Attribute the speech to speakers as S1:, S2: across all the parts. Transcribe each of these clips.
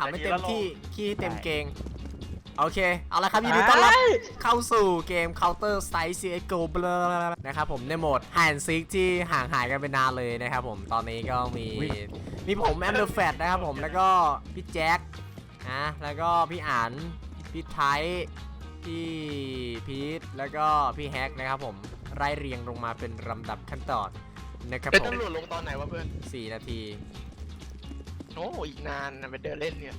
S1: ำให้เต็มที่ขี้ให้เต็มเกงโอเคเอาละครับยินดีต้อนรับเข้าสู่เกม Counter Strike CS:GO นะครับผมในโหมด Hide and Seek ที่ห่างหายกันไปนานเลยนะครับผมตอนนี้ก็มีผมแอมเดอร์แฟตนะครับผมแล้วก็พี่แจ็คนะแล้วก็พี่อั๋นพี่ไทยพี่พีทแล้วก็พี่แฮกนะครับผมไล่เรียงลงมาเป็นลำดับขั้นตอนนะครับผม
S2: เป็นตำรวจลงตอนไหนวะเพื่อน
S1: 4 นาที
S2: โอ้อีกนานนะไปเดินเล่นเนี่ย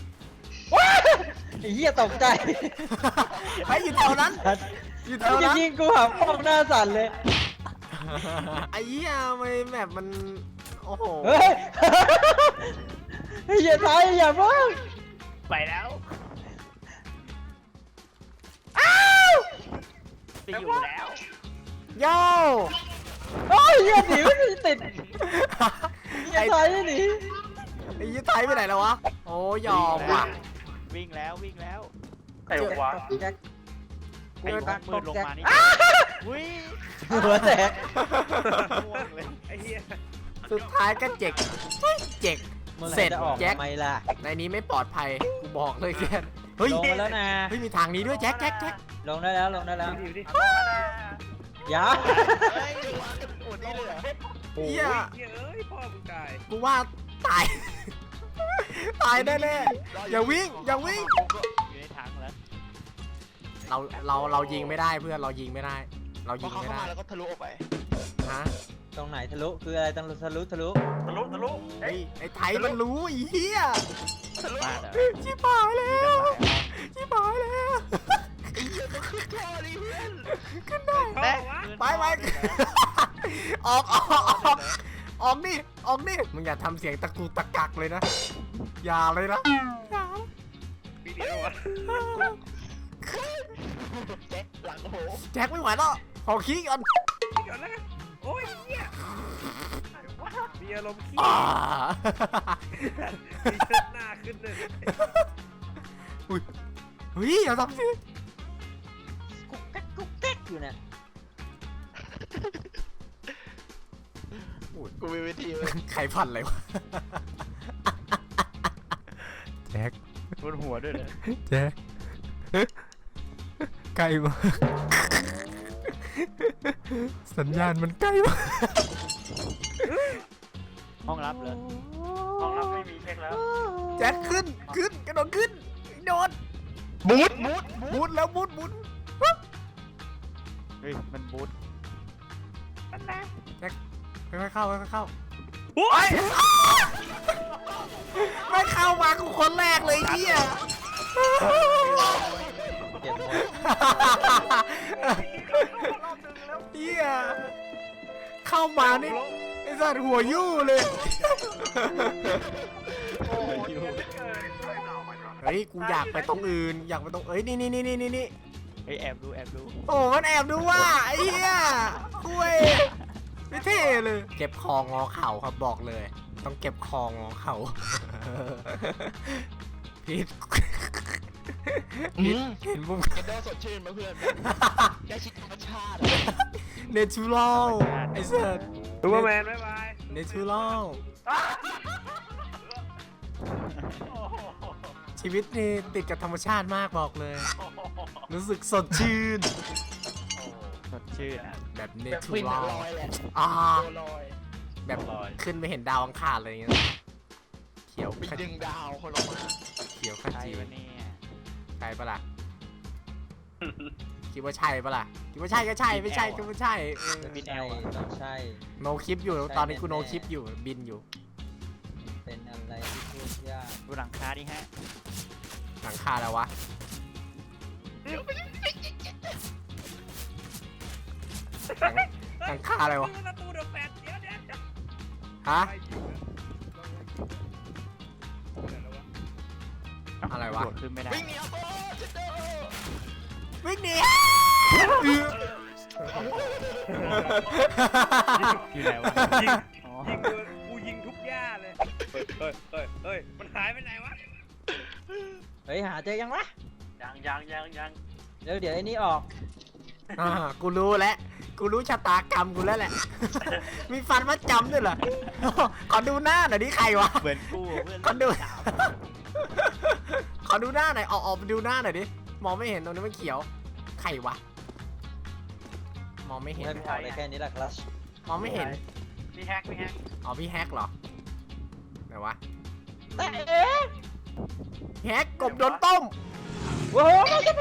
S3: ไอ้เหี้ยตกใจ
S1: ไอ้อยู่แถวนั้นอยู่แถว
S3: จะ
S1: นั้น
S3: ยิงกูหักป้องหน้าสั่นเลย
S1: ไอ้เหี้ยไม่แบบมันโอ้โห
S3: เฮ้ยไอ้เหี้ยตายอย่าบ้าง
S4: ไปแล้วไปอยู่แล้ว
S1: โย่
S3: โอ้ยเหี้ยหนีไม่ติดเหี้ยตายหนี
S1: ไอ้ยี่ไทยไปไหนแล้ววะโอ้ยอมว่ะ
S4: วิ่งแล้ววิ่งแล้ว
S3: ใครวะแจ็ค
S4: ไอ้มืดลงมานี่วิ่ง
S3: หัวแตก
S4: ม่วงเลยไอ้เหี้ย
S1: สุดท้ายก็เจ็กเสร็จ
S3: จะออก
S1: แจ็ค
S3: ทำไมล่ะ
S1: ในนี้ไม่ปลอดภัยกูบอกเลยแกเฮ้ย
S3: ลงมาแล้วนะ
S1: เฮ้ยมีทางนี้ด้วยแจ็ค
S3: ลงได้แล้วลงได้แล้ว
S4: อยู่ดิ
S3: อย่า
S2: เฮ้ยจังหวะกันโอดนี่เลยเหรอ
S1: เหี้ย
S4: เอ้ยพ่อมึงตาย
S1: กูว่าตาย ตายแน่ๆอย่าวิ่ง
S4: อยู่ในถังแล้ว
S1: เรายิงไม่ได้เพื่อนเรายิงไม่ได้ เรา
S2: พ
S1: ยิ
S2: อง เขา
S1: ไม่
S2: เข้า
S1: ได้
S2: มาแล้วก็ทะลุออกไป
S1: ฮะ
S3: ตรงไหนทะลุคืออะไรตรงทะลุ
S4: ทะลุ
S1: เฮ้ยไอ้ไทยมันรู้ไอ้เหี้ย
S2: ทะลุ
S4: บ้านเหรอ
S1: ชิบหายแล้วชิบหายแล้ว
S2: ขึ้นท่อดิเพื่อน
S1: ขึ้นได้
S4: แม่
S1: ไปออกนี่มึงอย่าทำเสียงตะกูตะกักเลยนะอย่าเลยนะอย่า
S4: ปีเดียววะ
S2: แจ็คหลังโอ้โห
S1: แจ็คไม่ไหวแล้วขอขี้ก่อน
S4: เดี๋ยวนะโอ้ยเหี้ยมีอารมณ์ขี้
S1: อ่า
S4: มีเชิดหน้าขึ้นเลย
S1: อุ้ยเฮ้ยอย่าทำสิ
S3: กุ๊กแก๊กกุ๊กแก๊กอยู่เนี่ย
S2: กูมีวิธีเลย
S1: ใครพันอะไรวะแจ็ค
S4: บนหัวด้วยเลย
S1: แจ็คใกล้มากสัญญาณมันใกล้มาก
S4: ห้องรับเลยห้องรับไม่มีเช็คแล้ว
S1: แจ็คขึ้นกระโดดขึ้นโดด มุดแล้วมุด
S4: เฮ้ยมันบูทมันนะ
S1: ค่อยๆเข้า
S4: โอ้ย
S1: ไม่เข้ามากูคนแรกเลยเฮีย
S3: เจ็บหมด
S1: เฮียเข้ามานี่ไอ้สัตว์หัวยู่เลยเฮ้ยกูอยากไปตรงอื่นอยากไปตรงนี่
S4: เฮ้ยแอบดู
S1: โอ้มันแอบดูว่าไอ้เหี้ยคุยไม่เท่เลยเก็บคองอเข่าครับบอกเลย ต้องเก็บคองอเข่าพีทเห็นมุม
S2: กระโดดสดชื่นมาเพื่อนแค่ชิดธรรมชาติ
S1: เนเชอรัลไอ้เสิร์ต
S4: ซูเปอร์แมนบ๊ายบาย
S1: เนเชอรัลชีวิตนี่ติดกับธรรมชาติมากบอกเลย รู้สึกสดชื่น
S4: สดชื่น
S1: แบบเน
S2: แบบ
S1: เชอ
S2: ฟิน
S1: รัล
S2: ลอยแหละ
S1: อ่า
S2: ตัวลอย
S1: แบบขึ้นไปเห็นดาวอังคารอะไรอย่างเงี้ยเขียว
S2: ไปดึงดาวคนออกมา
S1: เขียวข
S4: ใช่
S1: จี
S4: ปะเนี่ย
S1: ใช่ปะล่ะ คิดว่าใช่ปะล่ะคิดว่าใช่ก็ใช่ไม่ใช่ก็ไม่ใช่
S3: ไม่ใช่ต้องใช่
S1: โนคลิปอยู่ตอนนี้กูโนคลิปอยู่บินอยู่
S3: เป็นอะไรที่พูดยาก
S4: ดูหลังคาดิฮะ
S1: หลังคาแล้ววะหลังคาอะไรวะ
S4: ประตูเดอะแฟตเดี๋ยว
S1: ฮะอะไรวะ
S4: โดดขึ้นไม่ได้
S2: วิ่งหนีเอาโต้ชิดเด้อ
S1: วิ่งหนี
S4: อยู่ไหนวะยิง
S5: กูยิงทุกหญ้าเลย เฮ้ย มันหายไปไหนวะ
S3: เฮ้ยหาเจอยังวะ
S4: ยัง
S3: เดี๋ยวไอ้นี่ออก
S1: กูรู้แล้วกูรู้ชะตากรรมกูแล้วแหละ มีฟันมาจำด้วยเหรอ ขอดูหน้าหน่อยดิใครวะ
S4: เหมือนกูเพื่อน
S1: ขอดู
S4: สาว
S1: ขอดูหน้าหน่อยออกไปดูหน้าหน่อยดิมองไม่เห็นตรงนี้มันเขียวใครวะมองไม่เห็น
S3: ไม่พอเลยแค่นี้แหละคลัช
S1: มองไม่เห็น
S4: มีแฮกมีแฮก
S1: อ๋อพี่แฮกเหรอไหนวะ
S3: แต่เอ๊ะ
S1: แฮกกบโดนต้ม
S3: โอ้โห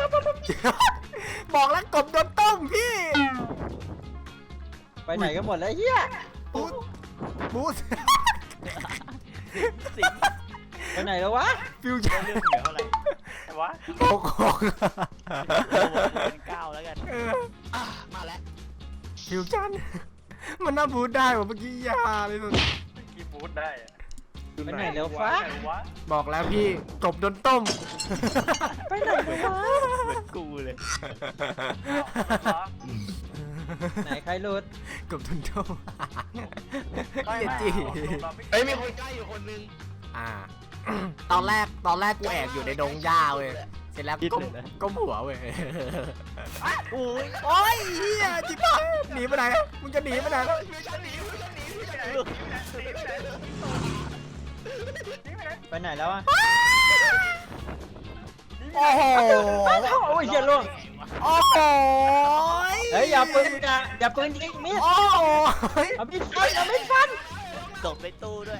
S1: บอกแล้วกบโดนต้มพี่
S3: ไปไหนกันหมดแล้วเฮีย
S1: บูสบูส
S4: สิง
S3: ไปไหนแล้ววะ
S1: ฟิวชั่น
S4: เรื่องเหลือเท่าไหร่แต่ว่า
S1: โอ้โห
S4: เป็น9แล้วกัน
S2: มาแล้ว
S1: ฟิวชั่นมันน่าบูสได้ว่ะเมื่อกี้ยาเลยสุด
S4: กี่บูทได้อะ
S3: ไปไหนแล้วฟ้า
S4: ไหนวะ
S1: บอกแล้วพี่กบโดนต้ม
S3: ไปไหนแล้ววะ
S4: เหมือนกูเลย
S3: ไหนใครหลุด
S1: กบโดนต้ม
S4: ไม่
S1: เหี้ย
S4: ไม่
S1: จี
S2: เฮ้ยมีคนใกล้อยู่คนนึง
S1: อ่า ตอนแรกกูแอบอยู่ในดงหญ้าเว้ยเสร็จแล้วก้มหัวเว้ย
S2: โอ้ย
S1: โอ้ยเฮียจิ๊บหายหนีไปไหนมึงจะหนีไปไหน
S2: ฟิวชั่นหนีฟิวชั่นหนีฟิวชั่นหนี
S3: ไปไหนแล้ววะ
S1: โอ้โห
S3: โอ้ยเฮียล่วง
S1: โอ้โห
S3: เฮ้ยอย่าปืนอย่าปืนยิงมีด
S1: โอ้โห
S3: เอามีดฟันเอามีดฟัน
S4: ตกในตู้ด้วย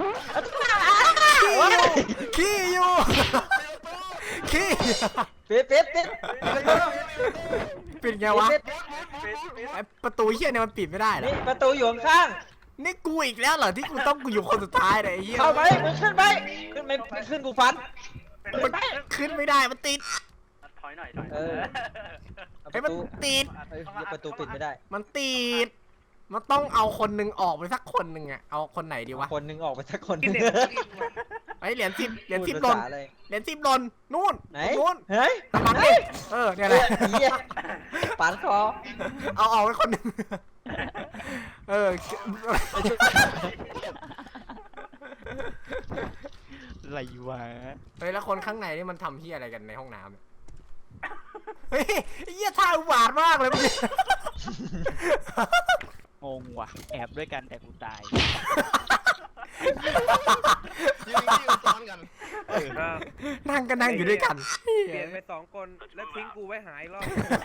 S1: ขี้อยู่ขี้
S3: ปิด
S1: ปิดไงวะไอประตูเฮียเนี่ยมันปิดไม่ได้เหรอ
S3: นี่ประตูอยู่ข้าง
S1: นี่กูอีกแล้วเหรอที่กูต้องกูอยู่คนสุดท้ายเลยไอ้เฮีย
S3: เข้าไปมึงขึ้นไปขึ้นไม่ขึ้นกูฟัน
S1: มันขึ้นไม่ได้มันติด
S4: ถอยหน่อย
S3: เออ เอา
S1: ไอ้
S3: ป
S1: มัน
S3: ระตู
S1: ติด
S3: เฮ้ยประตูปิดไม่ได้
S1: มันติด มันต้องเอาคนหนึ่งออกไปสักคนหนึ่งอะเอาคนไหนดีวะ
S3: คนหนึงออกไปสักคนหนึง
S1: ไอ้เหรียญ10เหรียญ
S3: พูด
S1: 10หล่น
S3: ภาษาอะไร
S1: เหรียญ10หล่นนู่น
S3: ไหน
S1: นู่น
S3: เฮ้ย
S1: ตามหลังดิเนี่ยแหละ
S3: เหี้ยปานคอ
S1: เอาออกไปคนหนึ่งเออ
S4: อะไรวะ
S1: เฮ้ยแล้วคนข้างในนี่มันทำเฮียอะไรกันในห้องน้ำเนี่ยเฮ้ยไอ้เฮียท่าอุบาทมากเลยเมื่อกี้
S4: งงว่ะแอบด้วยกันแต่กูตาย
S2: ยืนซ้อนกัน
S1: นั่งก็นั่งอยู่ด้วยกัน
S5: เปลี่ยนไป2 คนแล้วทิ้งกูไว้หายรอบ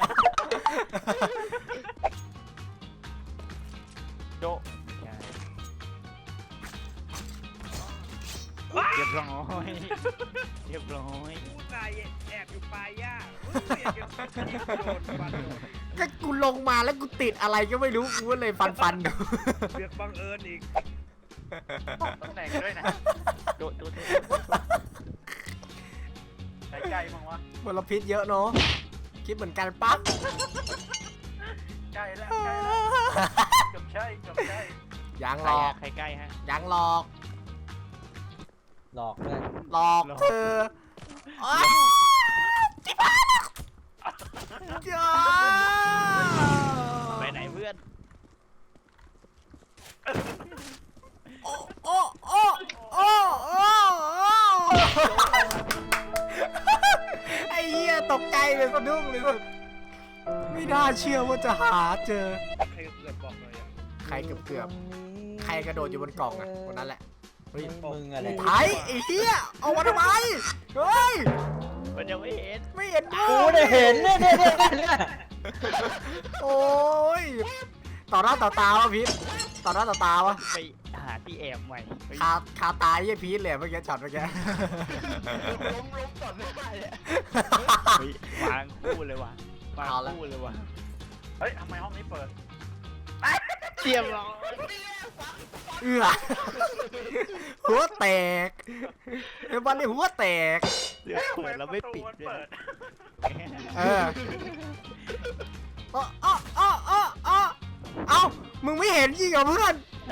S4: โดเรียบร้อยเรียบร้อย
S5: กูตายแอบอยู่ปลายหญ้าเปลี่ยนกันโดนฟันโดน
S1: ก็กูลงมาแล้วกูติดอะไรก็ไม่รู้กูก็เลยฟันดู
S5: เลือกบังเอิญอีก
S4: ตำแหน่งด้วยนะโดใกล้ๆมั้งวะ
S1: มลพิษเยอะเนาะคิดเหมือนกันปั๊บ
S4: ใกล้แล้วเกือบใช่
S1: ยังหลอก
S4: ใครใกล้ฮะ
S1: ยังหลอก
S3: หลอกด้วย
S1: หลอกเธอโอ๊ยจิ๊บหายแล้วจ้า
S4: ไปไหนเพื่อน
S1: โอ้โอ้โอ้โอ้โอ้ไอ้เหี้ยตกใจเลยสะดุ้งเลยสุดไม่น่าเชื่อว่าจะหาเจอ
S5: ใครเกือบบอกเลยอ่ะ
S1: ใครเกือบใครกระโดดอยู่บนกล่องอ่ะคนนั้นแหละเฮ้ย
S3: มึงอะไร
S1: ไทยไอ้เหี้ยเอามาทำไมเฮ้ย
S4: มันยังไม่เห็น
S1: ไม่เห็น
S3: กูได้เห็นเนี่ย
S1: โอ้ยต่อหน้าต่อตาวะพีทต่อหน้าต่อตาวะ
S4: ไปหาที่แอบใหม่เฮ้ย
S1: คาตายี่พีทเลยเมื่อกี้ช็อตเมื่อกี้
S2: ล้มก่อนไม่ได้เลยว
S4: างคู่เลยวะวางคู่เลยวะเฮ้ยทำไมห้องนี้เปิดเรียบร้อย
S1: เอื้อหัวแตกไอ้บอลนี่หัวแตก
S4: เดี๋ยวเปิดแล้วไม่ปิดด้วยนะ
S1: เออเอ้ามึงไม่เห็นยิงเหรอเพื่อน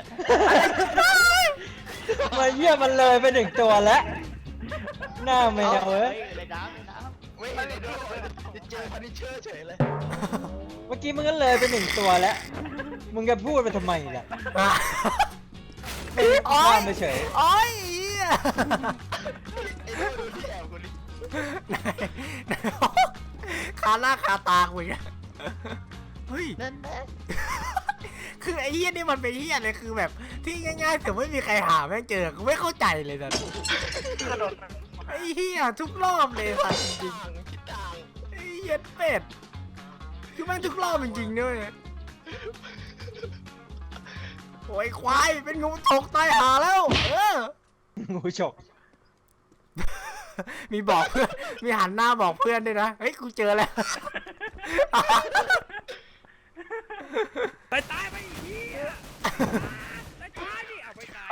S3: มาเยี่ยมันเลยไป1 ตัวแล้ว หน้าแมวเว้ย
S4: ในน้ำ
S2: ไม่เห็นเลยด้วยเจอพันิเชอร์เฉยเลย
S3: เมื่อกี้มึงก็เลยไป1 ตัวแล้ว มึงจะพูดไปทำไมล่ะ
S1: โอ๊
S3: ข้าย มไปเฉย
S1: โอ๊ยเหี้ย
S2: ไอ้ดูที่แอบคนนี้
S1: คาหน้าคาตาคุยกันเฮ้ย
S4: นั่นแหละ
S1: คือไอ้เหี้ยนี่มันเป็นเหี้ยเลยคือแบบที่ง่ายๆแต่ไม่มีใครหาแม่งเจอกูไม่เข้าใจเลยนะ
S4: กระโดด
S1: ไอ้เหี้ยทุกรอบเลยสัตว์จริง
S2: คิดต่าง
S1: ๆไอ้เหี้ยเป็ดคือแม่งทุกรอบจริงๆด้วยโอ้ยควายเป็นงูตกตายหาแล้ว
S3: งูฉก
S1: มีบอกเพื่อนมีหันหน้าบอกเพื่อนด้วยนะเฮ้ยกูเจอแล้ว
S5: ตายไปอีกทีตายดิเอาไปตาย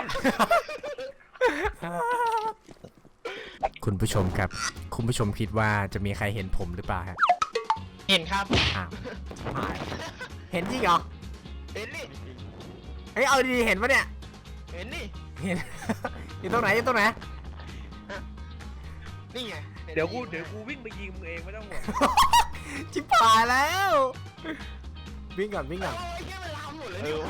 S1: คุณผู้ชมครับคุณผู้ชมคิดว่าจะมีใครเห็นผมหรือเปล่าฮะ
S2: เห็นครับ
S1: อ้าวเห็นจริงเหรอ
S2: เห็นนี่
S1: เฮ้ยเอาดีๆเห็นปะเนี่ย
S2: เห็นนี่
S1: เห็น อยู่ตรงไหนอยู่ตรงไหน
S2: นี่ไง
S5: เดี๋ยวกูวิ่งไปยิงมึงเองไม่ต้องห่วง
S1: ชิบหายแล้ววิ่งก่อนวิ่งก่อน
S2: โอ้ยแค่มันลามหมดเลยนี่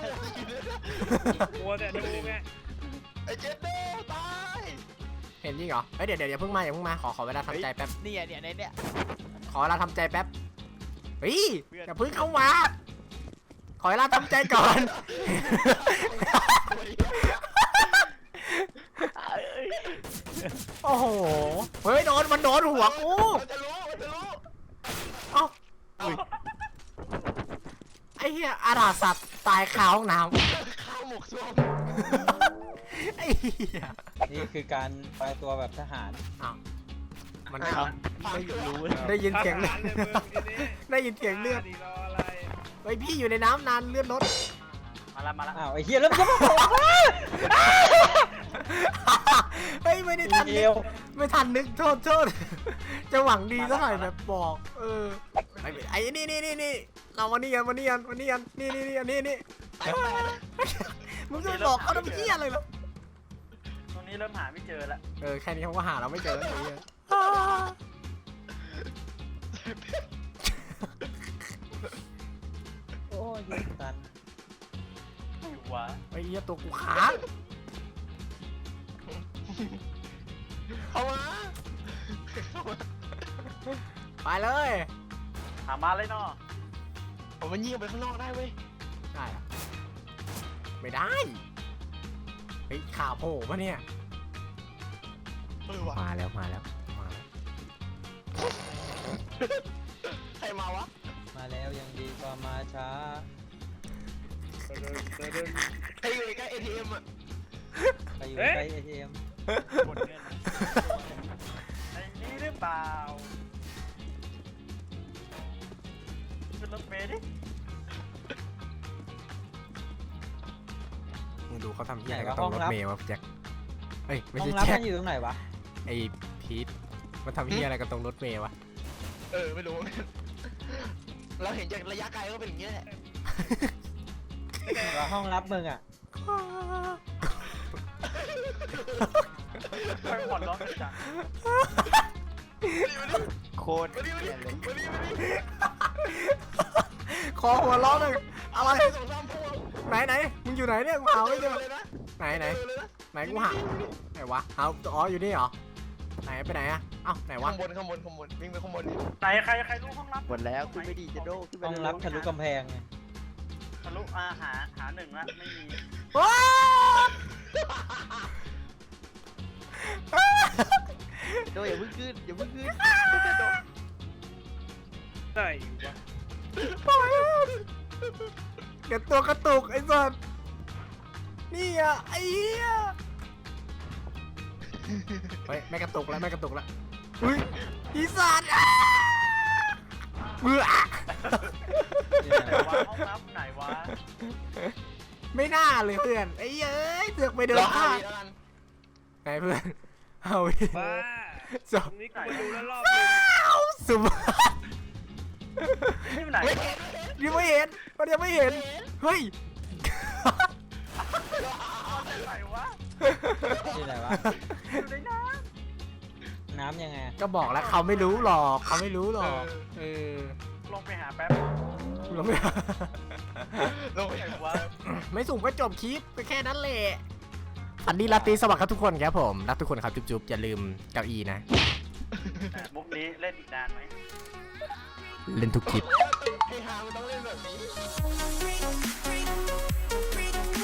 S5: มัวแต่ดูไง
S2: ไอ้เจ็ดเด้ตาย
S1: เห็นจริงเหรอเฮ้ยเดี๋ยวอย่าเพิ่งมาอย่าเพิ่งมาขอเวลาทำใจแป๊บ
S3: เนี่ยในเนี่ย
S1: ขอเวลาทำใจแป๊บเฮ้ยอย่าเพิ่งเข้ามาขอเวลาทำใจก่อน โอ้โหเฮ้ยมันโดนหัวกู
S2: มันจะรู้
S1: เอ้าไอ้เหี้ยอาราสัตว์ตายคาห้องน้
S2: ข้าวหมกส้ม
S1: ำไอ้เหี้ย
S3: นี่คือการแปลตัวแบบทหาร
S1: อ้าวมัน
S2: ไม่รู้
S1: ได้ยินเสียง
S5: ทหารเลยมึงทีนี้
S1: ได้ยินเสียงเลือด
S5: ดิรออะไร
S1: เฮ้ยพี่อยู่ในน้ำนานเลือดลด
S5: มาละ
S3: อ้าวไอ้เหี้ยแล้วมันจะมาบอกว่า
S1: เฮ้ยไม่ได้ทัน
S3: เอ
S1: นึก
S3: ว
S1: ไม่ทันนึกโทษจะหวังดีซะหน่อยแบบบอกไอ้นี่เรามานี่กันนี่มึงจะบอกเขาทำเหี้ยอะไรเหรอ
S5: ตรงนี้เริ่มหาไม่เจอละ
S1: แค่นี้เขาก็หาเราไม่เจอแล้วไอ้เหี้ย
S3: โอ้ยยิงตัน
S5: ไม่วะ
S1: ไอ้เหี้ยตัวกูค้าง
S2: เข้ามา
S1: ไปเลย
S5: หามาเลยเนาะ
S2: ผมมันยิงไปข้างนอกได้เว้ย
S1: ได้อะไม่ได้เฮ้ยข่าวโผล่ปะเนี่ย
S2: ว่ะ
S1: มาแล้ว
S2: ใครมาวะ
S3: มาแล้วยังดีกว่ามาช้า
S2: ใครอยู่ใกล้ ATM อ่ะ
S3: ไปอยู่ใกล้ ATM
S5: หมดเงินไอ้นี่หรือเปล่าขึ้นรถเมล์ดิ
S1: มึงดูเขาทำเหี้ยอะไรกับตรงรถเมล์วะพี่แจ็คเฮ้ยไม่
S3: ห้อ
S1: ใช่
S3: งรับ
S1: แจ็ค
S3: มันอยู่ตรงไหนวะ
S1: ไอ้พีทมันทำเหี้ยอะไรกับตรงรถเมล์วะ
S2: ไม่รู้ เราเห็นจากระยะไกลก็เป็นอย่างเงี้ยแหละ
S3: ว่าห้องรับมึงอ่ะ
S5: ไปหมดล้อจัง
S3: โคตร
S2: มาดิ
S1: คอหัวล้อเลยอะไร
S2: สองสามพวง
S1: ไหนมึงอยู่ไหนเนี่ยกูหาไม่เจอ
S2: เลยนะ
S1: ไหน
S2: เลยนะ
S1: ไหนกูหาไหนวะอ๋ออยู่นี่เหรอไหนไปไหนอะเอ้าไหนวะ
S2: ข้างบนวิ่งไปข้างบนดิ
S5: ไหนใครรู้ห้องรับ
S3: หมดแล้วขึ้นไม่ดีจะโดขึ้นห้องรับทะลุกำแพงไง
S5: ทะลุหาหนึ่งละไม่มี
S1: ว้า
S3: โดอย่าเพิ่งขึ้น
S5: ไหนวะ
S1: เดี๋ยวตัวกระตุกไอ้สัสนี่อะไอ้เหี้ยเฮ้ยไม่กระตุกแล้วอุ้ยอีสัตว์เบื่อ
S5: ไหนวะห้องรับไหนวะ
S1: ไม่น่าเลยเพื่อนไอ้เอ้ยเสือกไปเดิน
S2: รอ
S1: พลาด
S2: แล้วกัน
S1: ไหนเพื่อนเอาอีก
S5: บ้า
S1: จ
S5: ต
S1: บ
S5: รงนี้กูไปดูแล้วรอบนึง
S1: สุด
S5: นี่มันไหน
S2: ไม่
S5: วะ
S1: ยังไม่เห็นมันยังไม่เห็นเฮ้ย
S5: ไหนวะ
S3: ที่ไหนวะ
S5: อยู่ในน้
S3: น้ำยังไง
S1: ก็บอกแล้วเขาไม่รู้หรอกเออ
S5: ำลงไปหาแป๊บ
S1: เราไม่
S2: ลงไป
S5: ไหนวะ
S1: ไม่สุ่มก็จบคลิปไปแค่นั้นแหละอันนี้ลาตรีสวัสดิ์ครับทุกคนครับผมรักทุกคนครับจุ๊บๆอย่าลืมเก้าอี้นะ
S5: มุกนี้เล่นอีกนานไหม
S1: เล่นทุกคลิป
S2: ให้ฮามันต้องเล่นแบบนี้